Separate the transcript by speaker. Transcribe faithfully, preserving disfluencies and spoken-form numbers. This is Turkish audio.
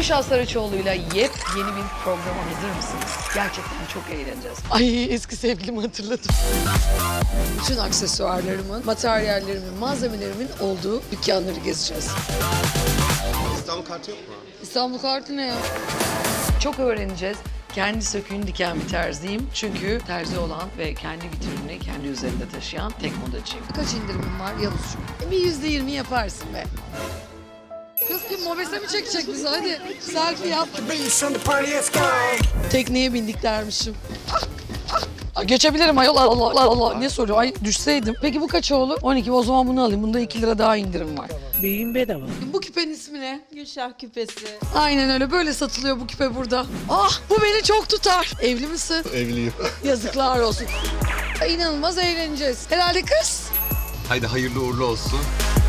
Speaker 1: Gülşah Saraçoğlu'yla yepyeni bir programa hazır mısınız? Gerçekten çok eğleneceğiz. Ay eski sevgilimi hatırladım. Bütün aksesuarlarımın, materyallerimin, malzemelerimin olduğu dükkanları gezeceğiz.
Speaker 2: İstanbul kartı yok mu?
Speaker 1: İstanbul kartı ne ya? Çok öğreneceğiz. Kendi söküğünü diken bir terziyim. Çünkü terzi olan ve kendi vitrinini kendi üzerinde taşıyan tek modacıyım. Kaç indirimim var Yavuzcuğum? E, bir yüzde yirmi yaparsın be. Kız kim mobese mi çekecek bizi? Hadi selfie yap. Tekneye bindik dermişim. Ah, ah. Ay, geçebilirim ayol. Allah Allah Allah. Ne soruyor? Ay düşseydim. Peki bu kaça olur? on iki. O zaman bunu alayım. Bunda iki lira daha indirim var.
Speaker 3: Beyin bedava.
Speaker 1: Bu küpenin ismi ne?
Speaker 4: Gülşah küpesi.
Speaker 1: Aynen öyle. Böyle satılıyor bu küpe burada. Ah bu beni çok tutar. Evli misin?
Speaker 2: Evliyim.
Speaker 1: Yazıklar olsun. Ay, İnanılmaz eğleneceğiz. Herhalde kız.
Speaker 2: Haydi hayırlı uğurlu olsun.